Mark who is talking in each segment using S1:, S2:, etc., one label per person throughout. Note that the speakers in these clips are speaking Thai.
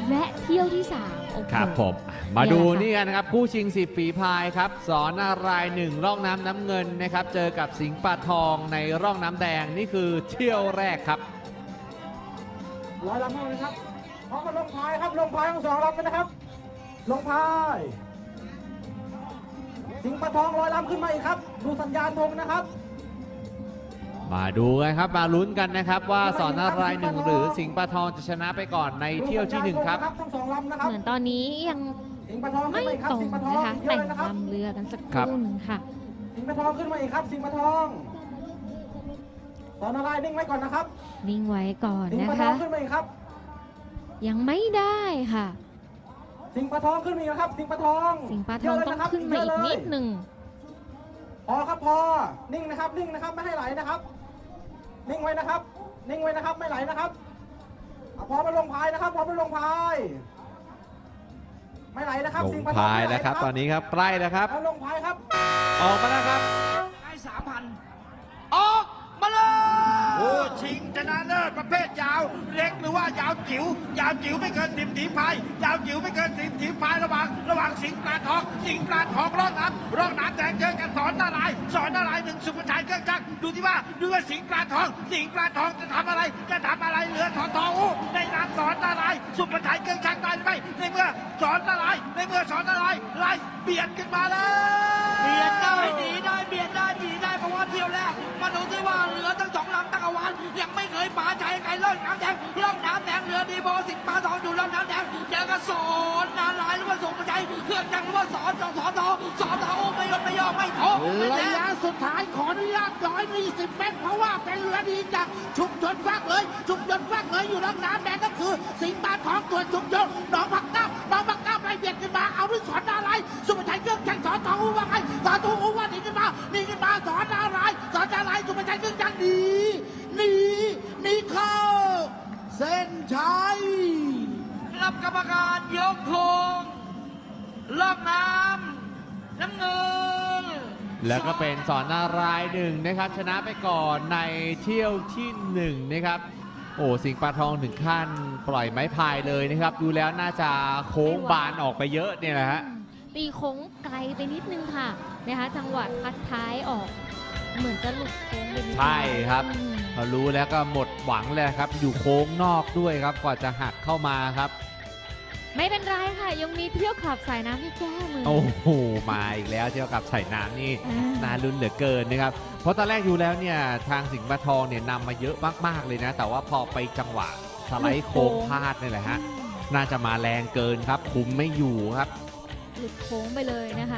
S1: และเที่ยวที่3โอ้โห
S2: ครับผมมาดูนี่กันนะครับคู่ชิง10ฝีพายครับสอนนารายณ์1ร่องน้ำเงินนะครับเจอกับสิงห์ปลาทองในร่องน้ำแดงนี่คือเที่ยวแรกครับ
S3: ลอยลำเลยครับพร้อมกันลงพายครับลงพายทั้ง2ลำเลยนะครับลงพายสิงห์ปลาทองลอยลำขึ้นมาอีกครับดูสัญญาณธงนะครับ
S2: มาดูกันครับมาลุ้นกันนะครับว่าสอนนารายณ์1หรือสิงห์ปลาทองจะชนะไปก่อนในเที่ยวที่1ครับ
S3: ทั้ง2ลำนะครับ
S1: เหมือนตอนนี้ยังไม่ตรงนะคะแต่งลำเรือกันสักครู่หนึ่งค่ะ
S3: สิงห์ปลาทองขึ้นมาอีกครับสิงห์ปลาทองสอนนารายณ์นิ่งไว้ก่อนนะครับ
S1: นิ่งไว้ก่อนนะคะ
S3: สิงห์ปลาทองขึ้นมาอีกครับ
S1: ยังไม่ได้ค่ะ
S3: สิงห์ปลาทองขึ้นมาอีกครับสิงห์ปลาทอง
S1: สิงห์ปลาทองต้องขึ้นมาอีกนิดหนึ่ง
S3: พอครับพอนิ่งนะครับนิ่งนะครับไม่ให้ไหลนะครับนิ่งไว้นะครับนิ่งไว้นะครับไม่ไหลนะครับพอมาลงพายนะครับพอมาลงพายไม่ไหลนะครับ
S2: ลงพายแล้วครับตอนนี้ครับใกล้แล้วครับ
S3: ลงพายครับ
S2: ออกมาแล้วครับ
S4: ให้3,000ออกมาเลยโอ้ชิงชนะเลิศประเภทยาวเล็กหรือว่ายาวจิ๋วยาวจิ๋วไม่เกิน10 ถีพายยาวจิ๋วไม่เกิน10 ถีพายระหว่างสิงห์ปลาทองร่องน้ำแดงเจอกันสอนนารายณ์1สุภชัยเครื่องจักรดูว่าสิงห์ปลาทองจะทำอะไรเหลือสอนทองในนามสอนนารายณ์สุภชัยเครื่องจักรได้ไหมในเมื่อสอนนารายณ์ไล่เบียดขึ้นมาเลยเบียดได้ดีได้เพราะว่าเที่ยวแรกมาดูที่ว่าเรือทั้ง2ลำตั้งเอาวันยังไม่เคยป่าใจใครร่องน้ำแดงเรือดีโบสิงห์ปลาทองอยู่ร่องน้ำแดงเจอกับสอนนารายณ์หรือว่าสุภชัยเครื่องจักรหรือว่าสอนทองไม่ยอมไม่ท้อระยะสุดท้ายขออนุญาต120 เมตรเพราะว่าเป็นเรือดีจากชุมชนฟักเลยอยู่ร่องน้ำแดงก็คือสิงห์ปลาทองตัวชุมชนหนองผักน้ำไล่เบียดขึ้นมาเอาด้วยสอนนารายณ์สุภชัยเครื่องจักรสอนทองว่าไงสอนทองว่าหนีขึ้นมาสอนนารายณ์สุภชัยเครื่องจักรหนีเข้าเส้นชัยรับกรรมการยกธงล่องน้ำเงิน
S2: แล้วก็เป็นสอนนารายณ์1นะครับชนะไปก่อนในเที่ยวที่1นะครับโอ้สิงห์ปลาทองถึงขั้นปล่อยไม้พายเลยนะครับดูแล้วน่าจะโค้งบานออกไปเยอะเนี่ยแหละฮะ
S1: ตีโค้งไกลไปนิดนึงค่ะนะคะจังหวะพัดท้ายออกเหมือนจะหลุดโค้งไปนิด
S2: ใช่ครับพอรู้แล้วก็หมดหวังเลยครับอยู่โค้งนอกด้วยครับกว่าจะหักเข้ามาครับ
S1: ไม่เป็นไรค่ะยังมีเที่ยวขับสายน้ำที่แก้มือ
S2: โอ้โหมาอีกแล้วเที่ยวขับสายน้ำนี่น่าลุ้นเหลือเกินนะครับเพราะตอนแรกอยู่แล้วเนี่ยทางสิงห์ปลาทองเนี่ยนำมาเยอะมากๆเลยนะแต่ว่าพอไปจังหวะสไลด์โค้งพลาดนี่แหละฮะน่าจะมาแรงเกินครับคุมไม่อยู่ครับ
S1: หลุดโค้งไปเลยนะคะ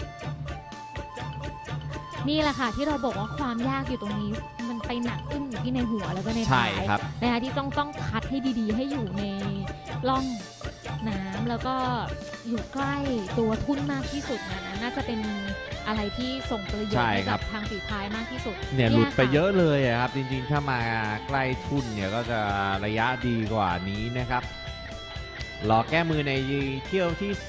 S1: นี่แหละค่ะที่เราบอกว่าความยากอยู่ตรงนี้มันไปหนักอึ้งอยู่ที่ในหัวแล้วก็ในท้ายนะคะที่ต้องคัดให้ดีๆให้อยู่ในร่องน้ำแล้วก็อยู่ใกล้ตัวทุ่นมากที่สุดนะน่าจะเป็นอะไรที่ส่งประโยชน์ให้กับทางฝีพายมากที่สุด
S2: เนี่ยหลุดไปเยอะเลยครับจริงๆถ้ามาใกล้ทุ่นเนี่ยก็จะระยะดีกว่านี้นะครับรอแก้มือในเที่ยวที่